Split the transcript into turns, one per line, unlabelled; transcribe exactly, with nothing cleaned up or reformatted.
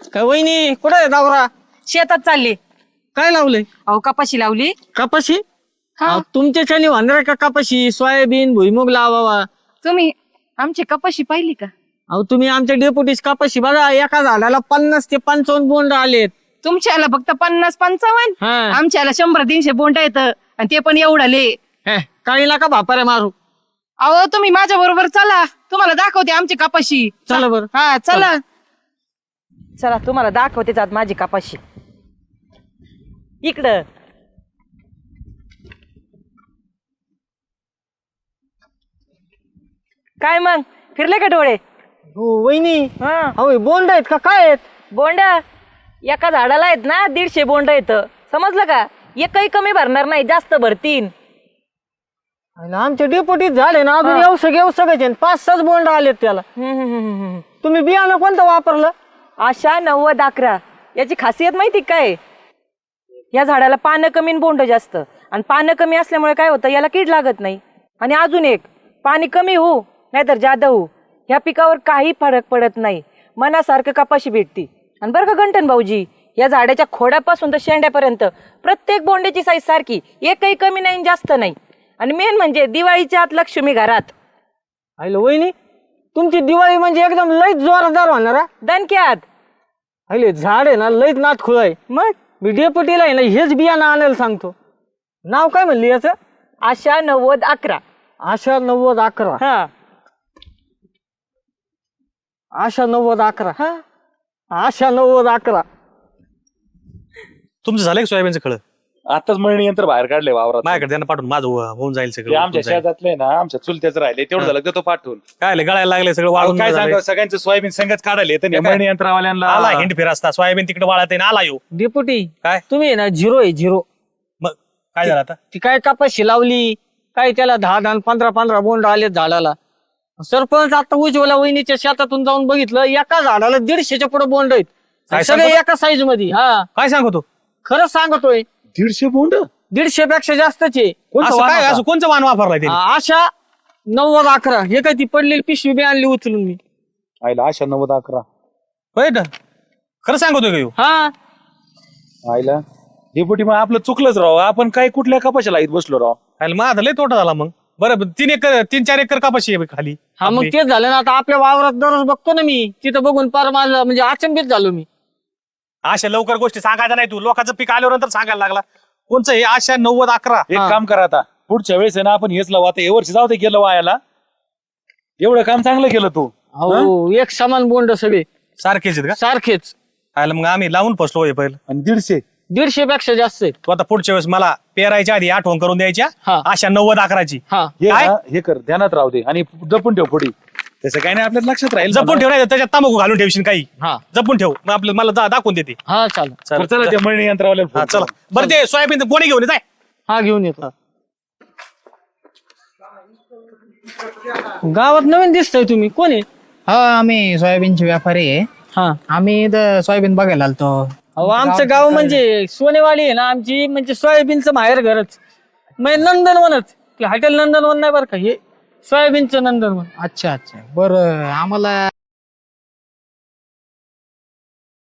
काय वहिनी कुठे आहे दावरा?
शेतात चालली.
काय लावलंय?
अहो कपाशी लावली.
कपाशी?
हा.
अहो, तुमच्याच्यानी वांद्रा का कपाशी सोयाबीन भुईमुग लावावा?
तुम्ही आमची कपाशी पाहिली का?
अहो तुम्ही आमच्या डेपुटीस कपाशी बघा, एका झाडाला पन्नास ते पंचावन्न बोंड आलेत.
तुमच्याला फक्त पन्नास पंचावन्न,
हा.
आमच्याला शंभर तीनशे बोंड येत आणि ते पण एवढाले.
हे, काही नका भापाऱ्या मारू.
अहो तुम्ही माझ्या बरोबर चला, तुम्हाला दाखवते आमची कपाशी.
चला बरं.
हा चला चला, तुम्हाला दाखवते जात माझी कपाशी. इकडं काय मग फिरले का डोळे?
हो वहिनी.
हा
अहो हे बोंड आहेत का काय आहेत?
बोंड एका झाडाला आहेत ना दीडशे बोंड आहेत, समजलं का? एकही कमी भरणार नाही, जास्त भरतीन.
अला, आमच्या डेपुटीत झाले ना अजून
हा.
येऊ सगळे येऊ सगळे पाच सहा बोंड आलेत त्याला.
हम्म, हम्म, हम्म, हम्म.
तुम्ही बियाणं कोणतं वापरलं?
आशा नव्वद अकरा. याची खासियत माहिती काय? या झाडाला पानं कमी आणि बोंड जास्त, आणि पानं कमी असल्यामुळे काय होतं, याला कीड लागत नाही. आणि अजून एक, पाणी कमी होऊ नाहीतर जादा होऊ, ह्या पिकावर काही फरक पडत नाही. मनासारखं कपाशी भेटती. आणि बरं का गंठन भाऊजी, या झाडाच्या खोडापासून तर शेंड्यापर्यंत प्रत्येक बोंड्याची साईज सारखी, एकही कमी नाही जास्त नाही. आणि मेन म्हणजे दिवाळीच्या आत लक्ष्मी घरात.
हॅलो वहिनी, तुमची दिवाळी म्हणजे एकदम लईच जोरदार होणार हा.
दणक्यात.
हॅलो झाड आहे ना लईच नाथ खुळ आहे.
मग
मी डेपुटीला आहे ना हेच बियाणं आणायला सांगतो. नाव काय म्हणली याचं?
आशा नव्वद अकरा.
आशा नव्वद अकरा.
हा
आशा नव्वद अकरा.
हा
आशा नव्वद अकरा.
तुमचं झालंय का सोयाबीनचं खळ?
आताच मळणी यंत्र बाहेर काढले वावरात.
माझ्याकडे त्यांना पाठवून माझं हो- होऊन जाईल
ते
सगळं.
आमच्या
होऊन जाईल.
शेतातले ना आमच्या चुलत्याच राहिले तेवढं झालं तर तो पाठवून.
काय आलं, गळायला लागले सगळं वाळून
काय
झालंय.
सांगा सगळ्यांचं सोयाबीन संगच काढायले तर
काय?
मळणी यंत्रवाल्यांना
आला हिंड फिर असता सोयाबीन तिकडे वाळत आहे ना, आला येऊ.
डेपुटी
काय
तुम्ही आहे ना झिरो आहे झिरो.
मग काय झालं आता?
ती काय कपाशी लावली काय त्याला दहा दहा पंधरा पंधरा बोंड आलेत झाडाला. सरपंच आता उज्ज्वला वहिनीच्या शेतातून जाऊन बघितलं, एका झाडाला दीडशेच्या पुढे बोंड आहेत.
काय
सगळे
सांगतो?
एका साईज मध्ये. हा
काय सांगतो?
खरंच सांगतोय,
दीडशे बोंड.
दीडशे पेक्षा जास्तच आहे.
असं काय असं कोणचं वाण वापरलाय ते?
आ- आशा नव्वद अकरा. हे काय ती पडलेली पिशवी बी आणली उचलून मी.
आईला आशा नव्वद अकरा.
होय ना? खरं सांगतोय का ह्यो?
हा
आईला डेपुटी मग आपलं चुकलंच राव, आपण काय कुठल्या कपाशाला येत बसलो राव.
आयला माझा लय तोटा झाला मग. बरं तीन एकर तीन चार एकर कपाशी आहे खाली.
हा मग
आपली.
तेच झालं ना. आता आपल्या वावरात दररोज बघतो ना मी, तिथं बघून पार माझं म्हणजे अचंबित झालो मी.
अशा लवकर गोष्टी सांगायच्या नाही, तू लोकांचं पीक आल्यावर नंतर सांगायला लागला. कोणचं हे आशा नव्वद अकरा?
एक
हा.
काम करा आता, पुढच्या वेळेस आहे ना आपण हेच लावू. आता हे वर्षी जाऊ दे गेलं वायाला, एवढं काम चांगलं केलं तू.
हो एक समान बोंड सगळे
सारखेच आहेत का?
सारखेच.
आयला मग आम्ही लावून फसलो हे पहिलं.
आणि दीडशे
दीडशे पेक्षा जास्त आहेत.
तू आता पुढच्या वेळेस मला पेरायच्या आधी आठवण करून द्यायच्या
हा.
आशा नव्वद अकराची.
हा
हे
काय?
ना, हे कर ध्यानात राहू दे आणि जपून ठेव पुढे. तसं काही नाही आपल्याला लक्षात राहील.
जपून ठेव, नाही तर त्याच्यात तंबाखू घालून ठेवशील काही.
हा
जपून ठेव, मग आपलं मला जा- दाखवून देते.
हा चालेल.
बरं, चला ते मळणी यंत्रवाल्याला
हा
फोन
चला.
करू.
बरं ते सोयाबीन कोणी घेऊन ये, जाय.
हा घेऊन येतो. गावात नवीन दिसतंय तुम्ही, कोण आहे?
हा आम्ही सोयाबीनचे व्यापारी आहे.
हा
आम्ही इथं सोयाबीन बघायला आलतो.
अहो आमचं गाव म्हणजे सोनेवाडी आहे ना आमची, म्हणजे सोयाबीनचं माहेर घरच म्हणजे नंदनवनच. हॉटेल नंदनवन नाही बरं का, हे सोयाबीनचं नंदनवन.
अच्छा अच्छा बरं, आम्हाला